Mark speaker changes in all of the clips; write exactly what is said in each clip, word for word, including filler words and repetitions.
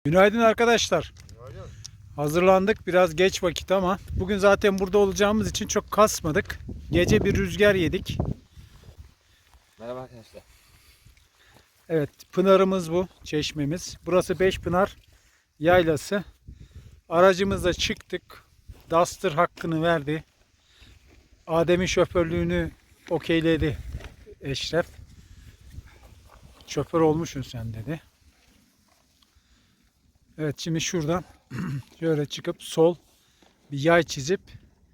Speaker 1: Günaydın arkadaşlar.
Speaker 2: Günaydın.
Speaker 1: Hazırlandık. Biraz geç vakit ama bugün zaten burada olacağımız için çok kasmadık. Gece bir rüzgar yedik.
Speaker 2: Merhaba arkadaşlar.
Speaker 1: Evet, pınarımız bu, çeşmemiz. Burası Beşpınar Yaylası. Aracımızla çıktık. Duster hakkını verdi. Adem'in şoförlüğünü okeyledi Eşref. Şoför olmuşsun sen dedi. Evet, şimdi şuradan şöyle çıkıp sol bir yay çizip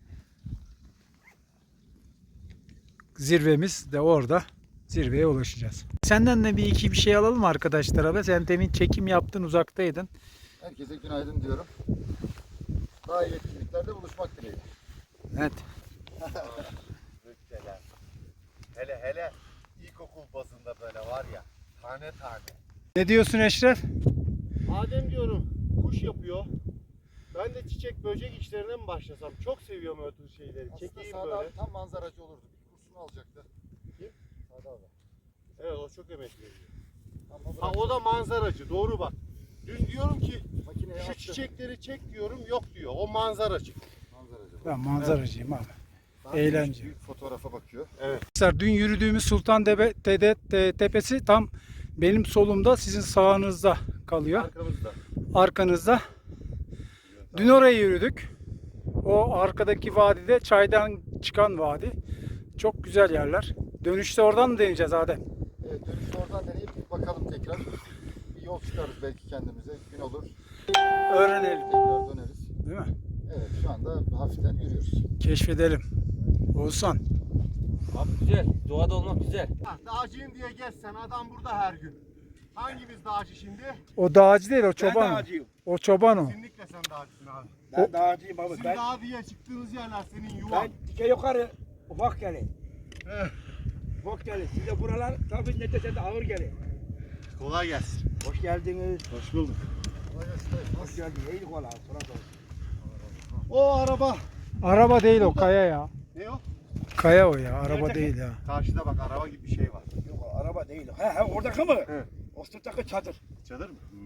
Speaker 1: zirvemiz de orada, zirveye ulaşacağız. Senden de bir iki bir şey alalım arkadaşlara be. Sen demin çekim yaptın, uzaktaydın.
Speaker 3: Herkese günaydın diyorum. Daha iyi etkinliklerde buluşmak dileğiyle.
Speaker 1: Evet.
Speaker 2: Rüzgar. Hele hele ilkokul bazında böyle var ya, tane tane.
Speaker 1: Ne diyorsun Eşref?
Speaker 4: Adem diyorum kuş yapıyor. Ben de çiçek böcek işlerine mi başlasam? Çok seviyorum öyle tür şeyleri.
Speaker 3: Aslında
Speaker 4: Çekeyim
Speaker 3: Sade
Speaker 4: böyle.
Speaker 3: abi tam manzaracı olurdu. Bir kursunu alacaktı.
Speaker 4: Kim?
Speaker 3: Sade abi.
Speaker 4: Evet, o çok emek veriyor.
Speaker 3: Ama
Speaker 4: Ha,
Speaker 3: bırak,
Speaker 4: o da manzaracı, doğru bak. Dün diyorum ki
Speaker 3: makineye
Speaker 4: şu
Speaker 3: attı.
Speaker 4: çiçekleri çek diyorum, yok diyor. O manzaracı.
Speaker 3: Manzaracı.
Speaker 1: Ben manzaracıyım abi.
Speaker 3: Daha
Speaker 1: eğlence.
Speaker 3: büyük fotoğrafa bakıyor.
Speaker 1: Arkadaşlar, dün yürüdüğümüz Sultan Tepe, Tede, Te- Tepesi tam benim solumda, sizin sağınızda kalıyor.
Speaker 4: Arkamızda.
Speaker 1: Arkanızda. Dün oraya yürüdük. O arkadaki vadide çaydan çıkan vadi. Çok güzel yerler. Dönüşte oradan mı deneyeceğiz Adem?
Speaker 3: Evet, dönüşte oradan deneyip bakalım tekrar. Bir yol çıkarız belki kendimize. Gün olur.
Speaker 1: Öğrenelim.
Speaker 3: Tekrar döneriz.
Speaker 1: Değil mi?
Speaker 3: Evet, şu anda hafiften yürüyoruz.
Speaker 1: Keşfedelim. Oğuzhan.
Speaker 2: Abi güzel, doğada olmak güzel.
Speaker 4: Ha, dağcıyım diye gezsen adam burada her gün. Hangimiz dağcı şimdi?
Speaker 1: O dağcı değil, o
Speaker 5: Ben
Speaker 1: çoban. o.
Speaker 5: dağcıyım.
Speaker 1: O çoban o.
Speaker 4: Kesinlikle sen dağcısın abi.
Speaker 5: Ben dağcıyım abi.
Speaker 4: Sizin
Speaker 5: Ben,
Speaker 4: dağ diye çıktığınız yerler senin yuvan.
Speaker 5: ben dike yukarı ufak gelin. Ufak gelin. Size buralar tabii ne dese de ağır gelin.
Speaker 4: Kolay gelsin.
Speaker 5: Hoş geldiniz.
Speaker 4: Hoş bulduk.
Speaker 5: Hoş geldiniz. İyi kolay. Sonra sonra.
Speaker 4: O araba.
Speaker 1: Araba değil o, kaya ya.
Speaker 4: Ne o?
Speaker 1: Kaya o ya, araba
Speaker 4: Nerede?
Speaker 1: değil ya.
Speaker 4: Karşıda bak araba gibi bir şey var.
Speaker 5: Yok araba değil. He he oradaki mı?
Speaker 4: He.
Speaker 5: O sırttaki çadır.
Speaker 4: Çadır mı?